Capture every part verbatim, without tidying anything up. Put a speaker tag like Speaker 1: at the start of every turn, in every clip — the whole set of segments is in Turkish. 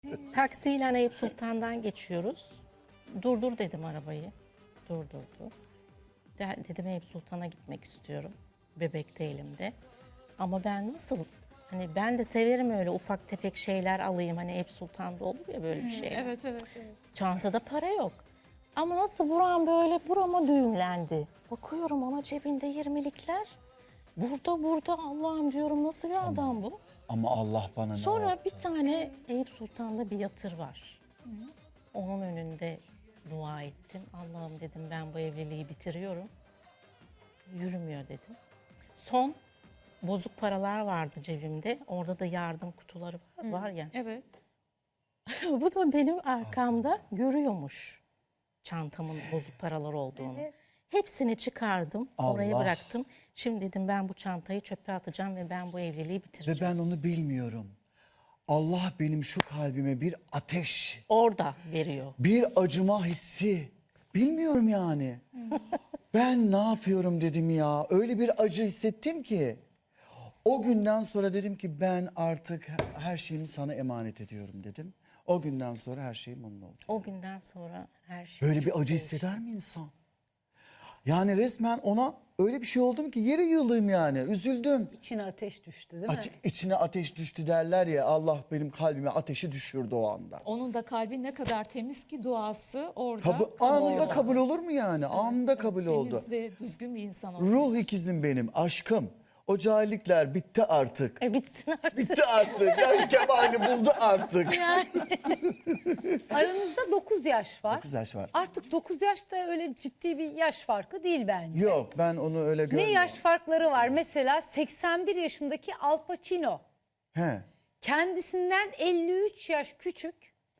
Speaker 1: Taksiyle Eyüp Sultan'dan geçiyoruz. Durdur dedim arabayı. Durdurdu. De, dedim Eyüp Sultan'a gitmek istiyorum. Bebek de elimde. Ama ben nasıl? Hani ben de severim öyle ufak tefek şeyler alayım. Hani Eyüp Sultan'da olur ya böyle bir şey.
Speaker 2: Evet, evet, evet.
Speaker 1: Çantada para yok. Ama nasıl buram böyle burama düğümlendi. Bakıyorum ama cebinde yirmilikler. Burada burada Allah'ım diyorum nasıl bir adam bu?
Speaker 3: Ama Allah bana ne
Speaker 1: Sonra
Speaker 3: yaptı?
Speaker 1: bir tane Eyüp Sultan'da bir yatır var. Onun önünde dua ettim. Allah'ım dedim ben bu evliliği bitiriyorum. Yürümüyor dedim. Son bozuk paralar vardı cebimde. Orada da yardım kutuları var, var ya.
Speaker 2: Evet.
Speaker 1: Bu da benim arkamda görüyormuş çantamın bozuk paralar olduğunu. Hepsini çıkardım, oraya
Speaker 3: Allah.
Speaker 1: bıraktım. Şimdi dedim ben bu çantayı çöpe atacağım ve ben bu evliliği
Speaker 3: Ve
Speaker 1: bitireceğim.
Speaker 3: ben onu bilmiyorum. Allah benim şu kalbime bir ateş,
Speaker 1: Orada veriyor.
Speaker 3: bir acıma hissi. Bilmiyorum yani. Ben ne yapıyorum dedim ya. Öyle bir acı hissettim ki. O günden sonra dedim ki ben artık her şeyimi sana emanet ediyorum dedim. O günden sonra her şeyim onun oldu.
Speaker 1: O günden sonra her şey
Speaker 3: Böyle
Speaker 1: çok
Speaker 3: bir acı
Speaker 1: değişti.
Speaker 3: hisseder mi insan? Yani resmen ona öyle bir şey oldum ki yere yığılayım yani. Üzüldüm.
Speaker 4: İçine ateş düştü değil mi?
Speaker 3: Aç, içine ateş düştü derler ya, Allah benim kalbime ateşi düşürdü o anda.
Speaker 2: Onun da kalbi ne kadar temiz ki duası orada.
Speaker 3: Kabul, anında kabul olur mu yani? Anında kabul oldu.
Speaker 2: Temiz ve düzgün bir insan oldu.
Speaker 3: Ruh ikizim benim, aşkım. O cahillikler bitti artık.
Speaker 1: E bitsin artık.
Speaker 3: Bitti artık. Yaş kemali buldu artık.
Speaker 4: Aranızda dokuz yaş var.
Speaker 3: dokuz yaş var.
Speaker 4: Artık dokuz yaş da öyle ciddi bir yaş farkı değil bence.
Speaker 3: Yok, ben onu öyle
Speaker 4: Ne
Speaker 3: görmüyorum.
Speaker 4: yaş farkları var? Mesela seksen bir yaşındaki Al Pacino.
Speaker 3: He.
Speaker 4: Kendisinden elli üç yaş küçük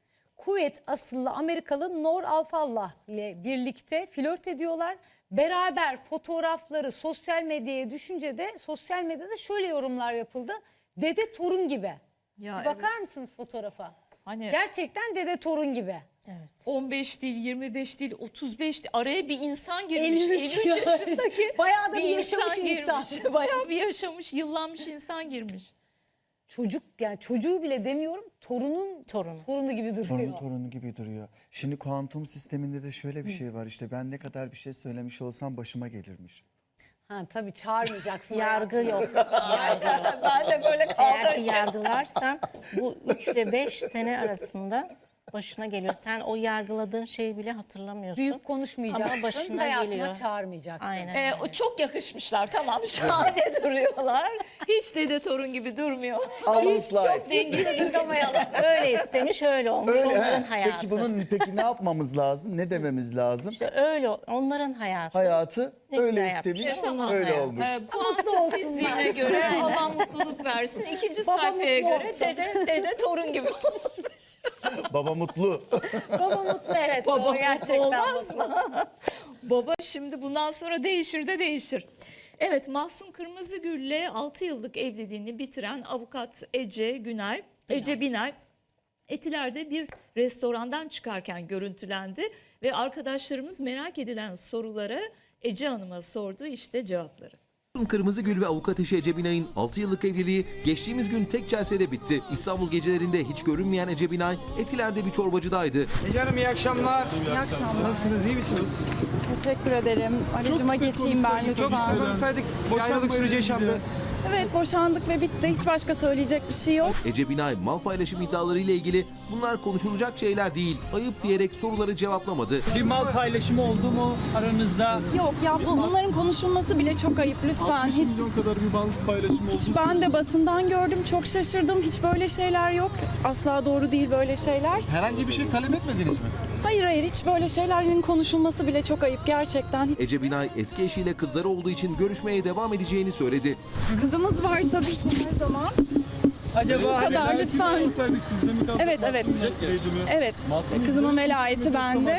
Speaker 4: Kuveyt asıllı Amerikalı Nor Alfallah ile birlikte flört ediyorlar. Beraber fotoğrafları sosyal medyaya düşünce de sosyal medyada şöyle yorumlar yapıldı. Dede torun gibi.
Speaker 2: Ya
Speaker 4: Bir bakar
Speaker 2: evet.
Speaker 4: mısınız fotoğrafa?
Speaker 2: Hani
Speaker 4: Gerçekten dede torun gibi.
Speaker 1: Evet.
Speaker 2: on beş değil, yirmi beş değil, otuz beş değil. Araya bir insan girmiş.
Speaker 4: elli üç
Speaker 2: elli üç
Speaker 4: yaş.
Speaker 2: yaşındaki
Speaker 4: Bayağı da bir yaşamış insan.
Speaker 2: girmiş. Bayağı bir yaşamış, yıllanmış insan girmiş.
Speaker 4: Çocuk yani çocuğu bile demiyorum torunun
Speaker 1: Torunu.
Speaker 4: torunu gibi duruyor.
Speaker 3: Torun torunu gibi duruyor. Şimdi kuantum sisteminde de şöyle bir şey var. İşte ben ne kadar bir şey söylemiş olsam başıma gelirmiş.
Speaker 4: Ha tabii çağırmayacaksın.
Speaker 1: Yargı
Speaker 4: hayatına.
Speaker 1: yok. Yargı yok.
Speaker 2: Ben de böyle
Speaker 1: Eğer
Speaker 2: kaldım.
Speaker 1: ki yargılarsan bu üç ile beş sene arasında başına geliyor. Sen o yargıladığın şeyi bile hatırlamıyorsun.
Speaker 4: Büyük konuşmayacaksın.
Speaker 1: Ama başına
Speaker 4: hayatına
Speaker 1: geliyor.
Speaker 4: çağırmayacaksın.
Speaker 1: Aynen.
Speaker 2: Ee, o çok yakışmışlar, tamam, şahane duruyorlar. Hiç dede torun gibi durmuyor.
Speaker 3: Hiç
Speaker 2: Çok dengeli yıkamayalım.
Speaker 1: Öyle istemiş, öyle olmuş.
Speaker 3: Öyle,
Speaker 1: onların
Speaker 3: he.
Speaker 1: hayatı.
Speaker 3: Peki bunun peki ne yapmamız lazım? Ne dememiz lazım?
Speaker 1: İşte öyle onların hayatı.
Speaker 3: Hayatı
Speaker 1: Ne
Speaker 3: öyle
Speaker 1: güzel
Speaker 3: istemiş,
Speaker 1: yapmış, tamam.
Speaker 3: öyle
Speaker 1: Evet.
Speaker 3: olmuş.
Speaker 2: Ee,
Speaker 4: Mutlu
Speaker 2: kuantum
Speaker 4: olsunlar.
Speaker 2: fiziğine göre Allah mutluluk versin. İkinci
Speaker 4: Baba
Speaker 2: sayfaya
Speaker 4: mutlu
Speaker 2: göre
Speaker 4: olsun.
Speaker 2: dede, dede torun gibi olmuş.
Speaker 3: Baba mutlu.
Speaker 4: Baba mutlu evet.
Speaker 2: Baba
Speaker 4: o
Speaker 2: mutlu
Speaker 4: gerçekten
Speaker 2: olmaz
Speaker 4: mutlu.
Speaker 2: mı? Baba şimdi bundan sonra değişir de değişir. Evet, Mahsun Kırmızıgül'le altı yıllık evliliğini bitiren avukat Ece Günay, Ece Binay Etiler'de bir restorandan çıkarken görüntülendi ve arkadaşlarımız merak edilen sorulara Ece Hanım'a sordu, işte cevapları.
Speaker 5: Kırmızıgül ve avukat eşi Ece Binay'ın altı yıllık evliliği geçtiğimiz gün tek celsede bitti. İstanbul gecelerinde hiç görünmeyen Ece Binay Etiler'de bir çorbacıdaydı.
Speaker 6: Ece Hanım iyi akşamlar.
Speaker 7: İyi akşamlar.
Speaker 6: Nasılsınız, iyi misiniz?
Speaker 7: Teşekkür ederim. Aracıma geçeyim ben
Speaker 6: Çok
Speaker 7: lütfen.
Speaker 6: kısa konuşsaydık bir ayrılık süreci yaşandı.
Speaker 7: Evet, boşandık ve bitti. Hiç başka söyleyecek bir şey yok.
Speaker 5: Ece Binay mal paylaşım iddiaları ile ilgili bunlar konuşulacak şeyler değil, ayıp diyerek soruları cevaplamadı.
Speaker 8: Bir mal paylaşımı oldu mu aranızda?
Speaker 7: Yok ya bu, bunların konuşulması bile çok ayıp lütfen. Hiç,
Speaker 9: kadar bir mal paylaşımı oldu.
Speaker 7: hiç ben de basından gördüm. Çok şaşırdım. Hiç böyle şeyler yok. Asla doğru değil böyle şeyler.
Speaker 9: Herhangi bir şey talep etmediniz mi?
Speaker 7: Hayır hayır hiç böyle şeylerin konuşulması bile çok ayıp gerçekten. Hiç-
Speaker 5: Ece Binay eski eşiyle kızları olduğu için görüşmeye devam edeceğini söyledi.
Speaker 7: Kızımız var tabii ki her zaman.
Speaker 8: Acaba
Speaker 7: Bu
Speaker 8: hani
Speaker 7: kadar lütfen.
Speaker 9: Olsaydık sizde mi kaldı?
Speaker 7: Evet evet. Evet.
Speaker 9: Mahsun
Speaker 7: Kızımın
Speaker 9: Bey,
Speaker 7: velayeti bende.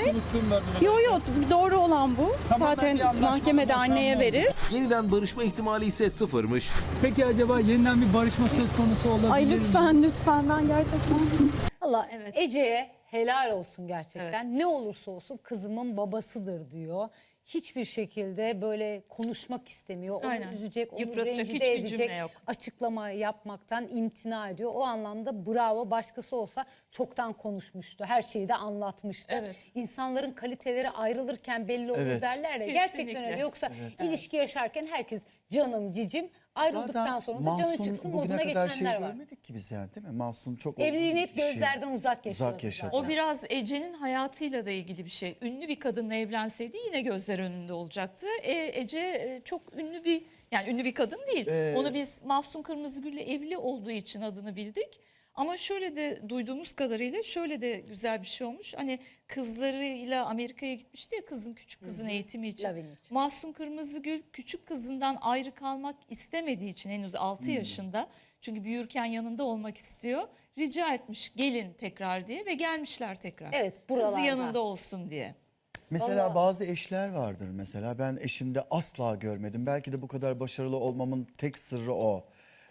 Speaker 7: Yo yo doğru olan bu. Zaten
Speaker 8: bir anlaşma,
Speaker 7: mahkemede
Speaker 8: boşanma
Speaker 7: anneye
Speaker 8: oldu.
Speaker 7: verir.
Speaker 5: Yeniden barışma ihtimali ise sıfırmış.
Speaker 8: peki acaba yeniden bir barışma söz konusu olabilir
Speaker 7: Ay
Speaker 8: mi?
Speaker 7: lütfen lütfen ben gerçekten.
Speaker 4: Valla Ece'ye helal olsun gerçekten. Ne olursa olsun kızımın babasıdır diyor. hiçbir şekilde böyle konuşmak istemiyor. Onu
Speaker 2: Aynen.
Speaker 4: üzecek, onu
Speaker 2: Yıpratacak
Speaker 4: rencide
Speaker 2: hiçbir
Speaker 4: edecek
Speaker 2: cümle yok.
Speaker 4: açıklama yapmaktan imtina ediyor. O anlamda bravo, başkası olsa çoktan konuşmuştu. Her şeyi de anlatmıştı.
Speaker 2: Evet.
Speaker 4: İnsanların kaliteleri ayrılırken belli olur
Speaker 3: Evet.
Speaker 4: derler ya.
Speaker 2: Kesinlikle.
Speaker 4: Gerçekten öyle. Yoksa ilişki yaşarken herkes canım cicim, ayrıldıktan
Speaker 3: Zaten
Speaker 4: sonra da canı
Speaker 3: Mahsun
Speaker 4: çıksın
Speaker 3: bugüne
Speaker 4: moduna
Speaker 3: kadar şey
Speaker 4: geçenler var.
Speaker 3: görmedik ki biz yani, değil mi? Mahsun çok
Speaker 4: Evliliğini
Speaker 3: olgun
Speaker 4: hep
Speaker 3: bir kişi.
Speaker 4: gözlerden uzak yaşıyordu.
Speaker 3: Uzak yaşadı.
Speaker 4: zaten.
Speaker 2: O biraz Ece'nin hayatıyla da ilgili bir şey. Ünlü bir kadınla evlenseydi yine gözler önünde olacaktı. E, Ece e, çok ünlü bir, yani ünlü bir kadın değil.
Speaker 3: Ee,
Speaker 2: Onu biz Mahsun Kırmızıgül'le evli olduğu için adını bildik. Ama şöyle de duyduğumuz kadarıyla şöyle de güzel bir şey olmuş. Hani kızlarıyla Amerika'ya gitmişti ya, kızın küçük kızın eğitimi için.
Speaker 4: Lavin için.
Speaker 2: Mahsun Kırmızıgül küçük kızından ayrı kalmak istemediği için henüz altı
Speaker 3: Hmm.
Speaker 2: yaşında. Çünkü büyürken yanında olmak istiyor. Rica etmiş gelin tekrar diye ve gelmişler tekrar.
Speaker 4: Evet,
Speaker 2: Kızı
Speaker 4: buralarda.
Speaker 2: yanında olsun diye.
Speaker 3: Mesela
Speaker 4: Vallahi-
Speaker 3: bazı eşler vardır mesela, ben eşimde asla görmedim. Belki de bu kadar başarılı olmamın tek sırrı o.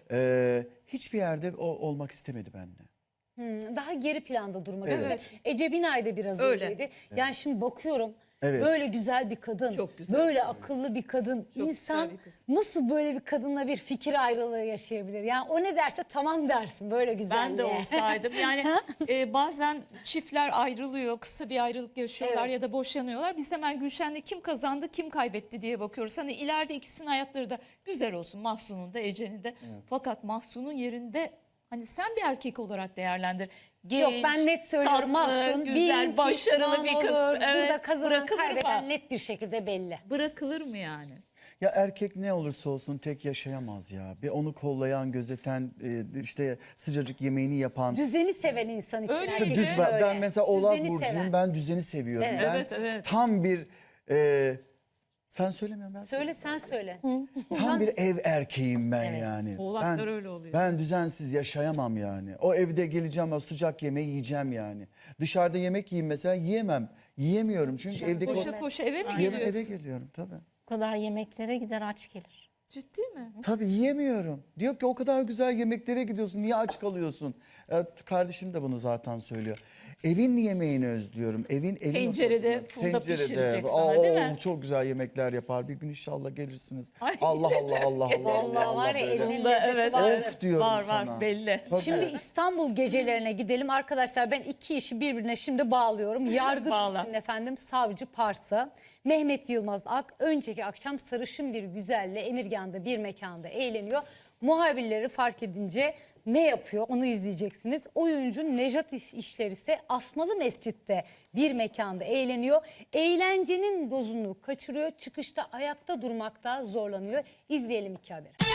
Speaker 3: Ee, hiçbir yerde o olmak istemedi benimle.
Speaker 4: Hmm, daha geri planda durmak
Speaker 3: Evet.
Speaker 4: istedi. Ece Binay da biraz
Speaker 2: Öyle.
Speaker 4: öyleydi. Yani şimdi bakıyorum
Speaker 3: Evet.
Speaker 4: böyle güzel bir kadın,
Speaker 2: Çok güzel
Speaker 4: böyle
Speaker 2: bir kız.
Speaker 4: akıllı bir kadın.
Speaker 2: Çok
Speaker 4: İnsan
Speaker 2: güzel bir kız.
Speaker 4: nasıl böyle bir kadınla bir fikir ayrılığı yaşayabilir? Yani o ne derse tamam dersin böyle güzelliğe.
Speaker 2: Ben de olsaydım. Yani e, bazen çiftler ayrılıyor, kısa bir ayrılık yaşıyorlar
Speaker 4: Evet.
Speaker 2: ya da boşanıyorlar. Biz hemen Gülşen'de kim kazandı, kim kaybetti diye bakıyoruz. Hani ileride ikisinin hayatları da güzel olsun. Mahsun'un da, Ece'nin de. Fakat Mahsun'un yerinde hani sen bir erkek olarak değerlendir. Genç,
Speaker 4: Yok, ben net söylüyorum,
Speaker 2: tatlı,
Speaker 4: Mahsun
Speaker 2: güzel,
Speaker 4: bin
Speaker 2: başarılı
Speaker 4: pişman
Speaker 2: bir kız.
Speaker 4: olur.
Speaker 2: Evet,
Speaker 4: Burada kazanan
Speaker 2: bırakılır
Speaker 4: kaybeden
Speaker 2: mı?
Speaker 4: net bir şekilde belli.
Speaker 2: Bırakılır mı yani?
Speaker 3: Ya erkek ne olursa olsun tek yaşayamaz ya. Bir onu kollayan, gözeten, e, işte sıcacık yemeğini yapan.
Speaker 4: Düzeni seven insan için
Speaker 2: Öyle
Speaker 3: İşte
Speaker 4: erkek
Speaker 3: düz,
Speaker 4: için
Speaker 3: ben,
Speaker 4: öyle.
Speaker 3: ben mesela Oğlak
Speaker 4: Düzeni
Speaker 3: burcuyum,
Speaker 4: seven.
Speaker 3: ben düzeni seviyorum.
Speaker 4: Evet.
Speaker 3: Ben
Speaker 2: Evet, evet.
Speaker 3: tam bir e, sen söylemiyorum ben.
Speaker 4: Söyle, sen söyle.
Speaker 3: Tam bir ev erkeğim ben yani.
Speaker 2: Oğlaklar
Speaker 3: ben,
Speaker 2: öyle oluyor.
Speaker 3: Ben düzensiz yaşayamam yani. O evde geleceğim, o sıcak yemeği yiyeceğim yani. Dışarıda yemek yiyeyim mesela, yiyemem. Yiyemiyorum çünkü evdeki
Speaker 2: Koşa
Speaker 3: o...
Speaker 2: koşa eve mi
Speaker 3: Yeme-
Speaker 2: geliyorsun?
Speaker 3: eve geliyorum tabii.
Speaker 1: Bu kadar yemeklere gider aç gelir.
Speaker 2: Ciddi mi?
Speaker 3: Tabii yiyemiyorum. Diyor ki o kadar güzel yemeklere gidiyorsun, niye aç kalıyorsun? Evet, kardeşim de bunu zaten söylüyor. Evin yemeğini özlüyorum. Evin evin
Speaker 2: Tencerede,
Speaker 3: oturduğunu-
Speaker 2: fırında pişirecek sana,
Speaker 3: Aa,
Speaker 2: değil mi?
Speaker 3: Çok güzel yemekler yapar. Bir gün inşallah gelirsiniz.
Speaker 2: Ay.
Speaker 3: Allah Allah Allah Allah.
Speaker 4: Vallahi
Speaker 3: Allah
Speaker 4: var ya,
Speaker 3: böyle.
Speaker 4: elinin
Speaker 2: Bunda
Speaker 4: lezzeti
Speaker 2: evet,
Speaker 4: var.
Speaker 2: evet.
Speaker 3: Of diyorum
Speaker 2: var,
Speaker 3: sana.
Speaker 2: Var belli.
Speaker 3: Tabii.
Speaker 4: Şimdi İstanbul gecelerine gidelim arkadaşlar. Ben iki işi birbirine şimdi bağlıyorum. Yargı
Speaker 2: Bağla.
Speaker 4: dizisinin efendim Savcı Parsa. Mehmet Yılmaz Ak önceki akşam sarışın bir güzelle Emirgan'da bir mekanda eğleniyor. Muhabirleri fark edince ne yapıyor onu izleyeceksiniz. Oyuncu Nejat İş- İşler ise Asmalı Mescid'de bir mekanda eğleniyor. Eğlencenin dozunu kaçırıyor. Çıkışta ayakta durmakta zorlanıyor. İzleyelim iki haberi.